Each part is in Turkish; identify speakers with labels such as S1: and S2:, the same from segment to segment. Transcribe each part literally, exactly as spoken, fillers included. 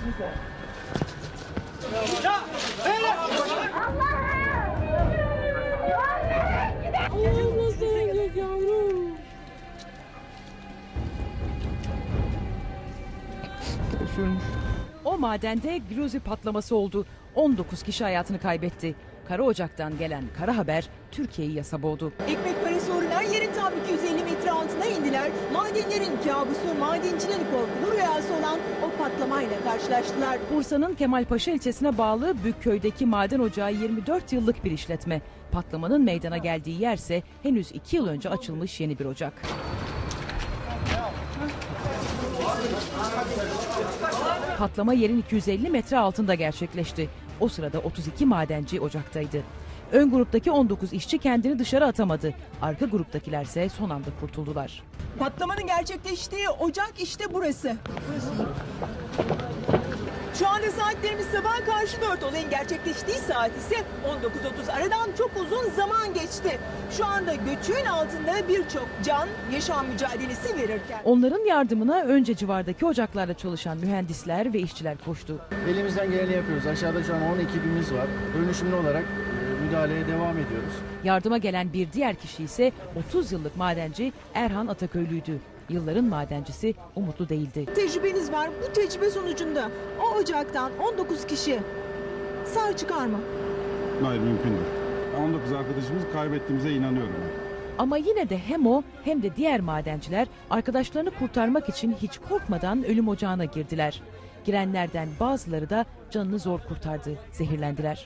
S1: O madende Gruzi patlaması oldu. on dokuz kişi hayatını kaybetti. Kara Ocak'tan gelen kara haber Türkiye'yi yasa boğdu.
S2: Ekmek parası uğruna yerin tam iki yüz elli metre altına indiler. Madenlerin kabusu, madencilerin korkulu rüyası olan o patlamayla karşılaştılar.
S1: Bursa'nın Kemalpaşa ilçesine bağlı Bükköy'deki maden ocağı yirmi dört yıllık bir işletme. Patlamanın meydana geldiği yerse henüz iki yıl önce açılmış yeni bir ocak. Patlama yerin iki yüz elli metre altında gerçekleşti. O sırada otuz iki madenci ocaktaydı. Ön gruptaki on dokuz işçi kendini dışarı atamadı. Arka gruptakilerse son anda kurtuldular.
S2: Patlamanın gerçekleştiği ocak işte burası. Şu anda saatlerimiz sabah karşı dört, olayın gerçekleştiği saat ise on dokuz otuz. Aradan çok uzun zaman geçti. Şu anda göçüğün altında birçok can yaşam mücadelesi verirken.
S1: Onların yardımına önce civardaki ocaklarda çalışan mühendisler ve işçiler koştu.
S3: Elimizden geleni yapıyoruz. Aşağıda şu an on ekibimiz var. Dönüşümlü olarak müdahaleye devam ediyoruz.
S1: Yardıma gelen bir diğer kişi ise otuz yıllık madenci Erhan Ataköylü'ydü. Yılların madencisi umutlu değildi.
S2: Tecrübeniz var. Bu tecrübe sonucunda o ocaktan on dokuz kişi sağ çıkar mı?
S4: Hayır, mümkündür. on dokuz arkadaşımızı kaybettiğimize inanıyorum.
S1: Ama yine de hem o hem de diğer madenciler arkadaşlarını kurtarmak için hiç korkmadan ölüm ocağına girdiler. Girenlerden bazıları da canını zor kurtardı, zehirlendiler.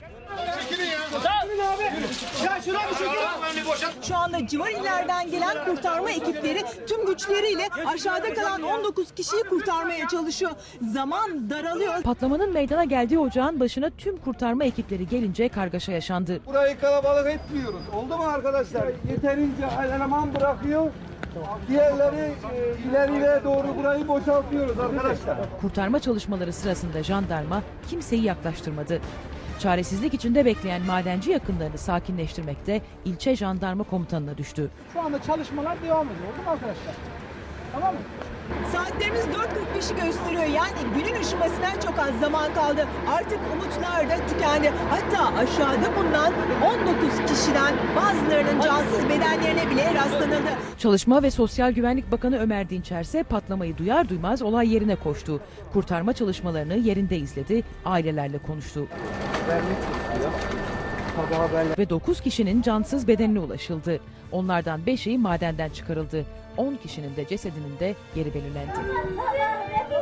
S2: Şu anda civar illerden gelen kurtarma ekipleri tüm güçleriyle aşağıda kalan on dokuz kişiyi kurtarmaya çalışıyor. Zaman daralıyor.
S1: Patlamanın meydana geldiği ocağın başına tüm kurtarma ekipleri gelince kargaşa yaşandı.
S5: Burayı kalabalık etmiyoruz. Oldu mu arkadaşlar? Yeterince eleman bırakıyor. Diğerleri e, ileriye doğru burayı boşaltıyoruz arkadaşlar.
S1: Kurtarma çalışmaları sırasında jandarma kimseyi yaklaştırmadı. Çaresizlik içinde bekleyen madenci yakınlarını sakinleştirmekte ilçe jandarma komutanına düştü.
S5: Şu anda çalışmalar devam ediyor. Oldu mu arkadaşlar? Tamam mı?
S2: Saatlerimiz dört kırk beşi gösteriyor. Yani günün ışımasına çok az zaman kaldı. Artık umutlar da tükendi. Hatta aşağıda bulunan on dokuz kişiden bazılarının cansız bedenlerine bile rastlanıldı.
S1: Çalışma ve Sosyal Güvenlik Bakanı Ömer Dinçer ise patlamayı duyar duymaz olay yerine koştu. Kurtarma çalışmalarını yerinde izledi, ailelerle konuştu. Ve dokuz kişinin cansız bedenine ulaşıldı. Onlardan beşi madenden çıkarıldı. on kişinin de cesedinin de yeri belirlendi.